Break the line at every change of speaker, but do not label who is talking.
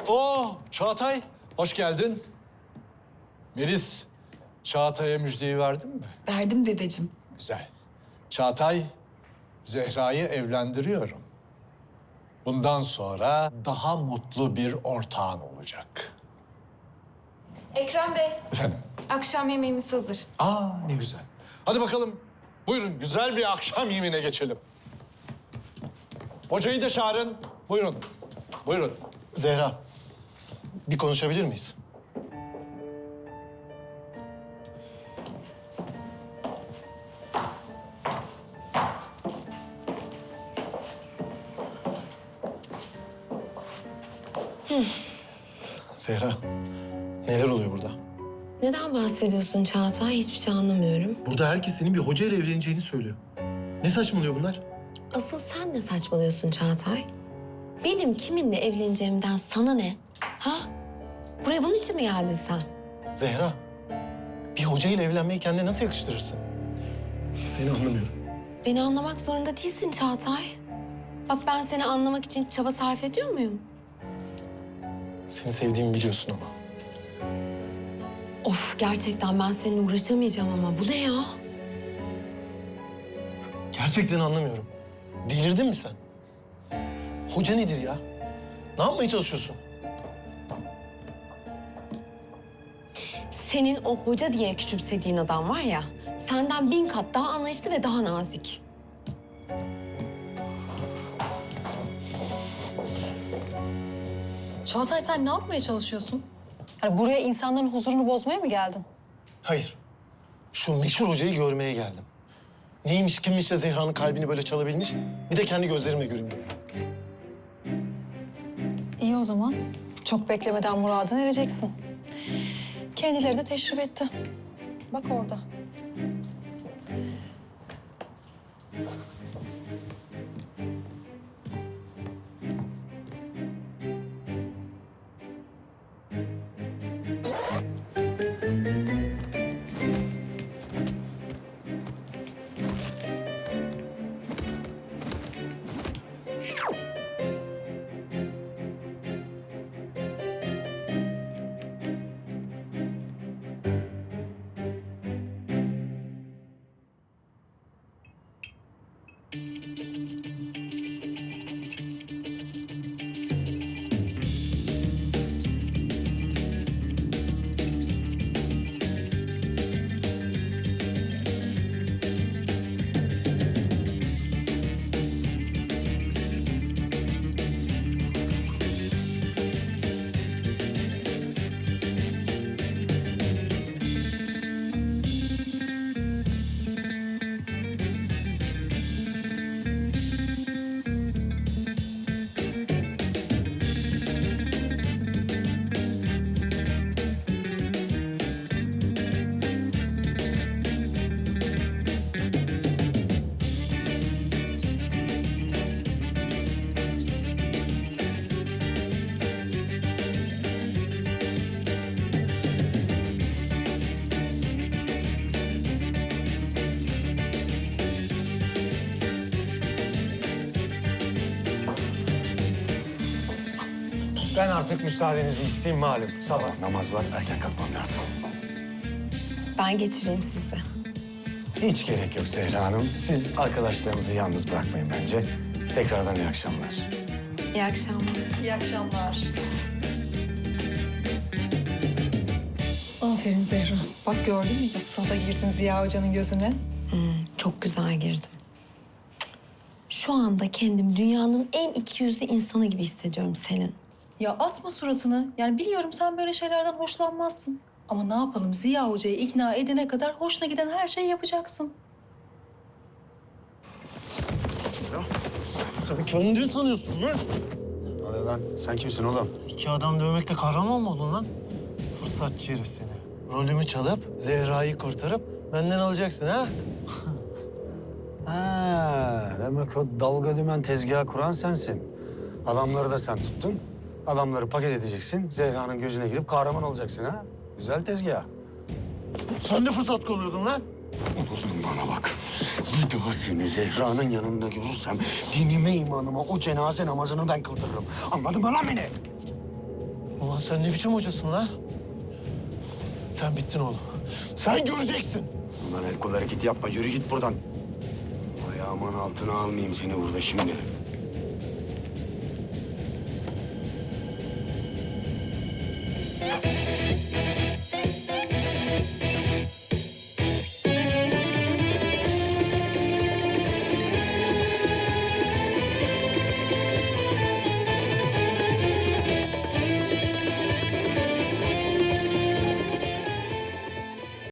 Oo, Çağatay, hoş geldin. Melis, Çağatay'a müjdeyi verdin mi?
Verdim dedeciğim.
Güzel. Çağatay, Zehra'yı evlendiriyorum. Bundan sonra daha mutlu bir ortağın olacak.
Ekrem Bey,
Efendim?
akşam yemeğimiz hazır.
Ne güzel. Hadi bakalım, buyurun güzel bir akşam yemeğine geçelim. Hocayı da çağırın. Buyurun, buyurun.
Zehra, bir konuşabilir miyiz? Zehra, neler oluyor burada?
Neden bahsediyorsun Çağatay? Hiçbir şey anlamıyorum.
Burada herkes senin bir hocayla evleneceğini söylüyor. Ne saçmalıyor bunlar?
Asıl sen ne saçmalıyorsun Çağatay? Benim kiminle evleneceğimden sana ne? Ha? Buraya bunun için mi geldin sen?
Zehra, bir hocayla evlenmeyi kendine nasıl yakıştırırsın? Seni anlamıyorum.
Beni anlamak zorunda değilsin Çağatay. Bak ben seni anlamak için çaba sarf ediyor muyum?
Seni sevdiğimi biliyorsun ama.
Of gerçekten ben seninle uğraşamayacağım ama bu ne ya?
Gerçekten anlamıyorum. Delirdin mi sen? Hoca nedir ya? Ne yapmaya çalışıyorsun?
Senin o hoca diye küçümsediğin adam var ya, senden 1000 kat daha anlayışlı ve daha nazik.
Çağatay sen ne yapmaya çalışıyorsun? Hani buraya insanların huzurunu bozmaya mı geldin?
Hayır. Şu meşhur hocayı görmeye geldim. Neymiş, kimmiş de Zehra'nın kalbini böyle çalabilmiş. Bir de kendi gözlerimle göreyim.
İyi o zaman. Çok beklemeden muradına ereceksin. Kendileri de teşrif etti. Bak orada.
Ben artık müsaadenizi isteyeyim malum. Sabah namaz var, erken kalkmam lazım.
Ben geçireyim sizi.
Hiç gerek yok Zehra Hanım. Siz arkadaşlarınızı yalnız bırakmayın bence. Tekrardan iyi akşamlar.
İyi akşamlar.
İyi akşamlar. Aferin Zehra. Bak gördün mü nasıl da girdin Ziya Hoca'nın gözüne?
Çok güzel girdim. Şu anda kendim dünyanın en ikiyüzlü insanı gibi hissediyorum Selin.
Ya asma suratını. Yani biliyorum sen böyle şeylerden hoşlanmazsın. Ama ne yapalım Ziya Hoca'yı ikna edene kadar hoşuna giden her şeyi yapacaksın.
Sen kendini sanıyorsun lan.
Hadi lan, sen kimsin oğlum?
İki adam dövmekle kahraman mı oldun lan? Fırsatçı herif seni. Rolümü çalıp Zehra'yı kurtarıp benden alacaksın ha?
Ha, demek o dalga dümen tezgahı kuran sensin. Adamları da sen tuttun. Adamları paket edeceksin. Zehra'nın gözüne girip kahraman olacaksın ha. Güzel tezgah.
Sen de fırsat kolluyordun lan.
Oğlum bana bak. Bir daha seni Zehra'nın yanında görürsem dinime imanıma o cenaze namazını ben kıldırırım. Anladın mı lan beni?
Ulan sen ne biçim hocasın lan? Sen bittin oğlum. Sen göreceksin.
Ulan el kol hareketi yapma. Yürü git buradan. Ayağımın altına almayayım seni burada şimdi.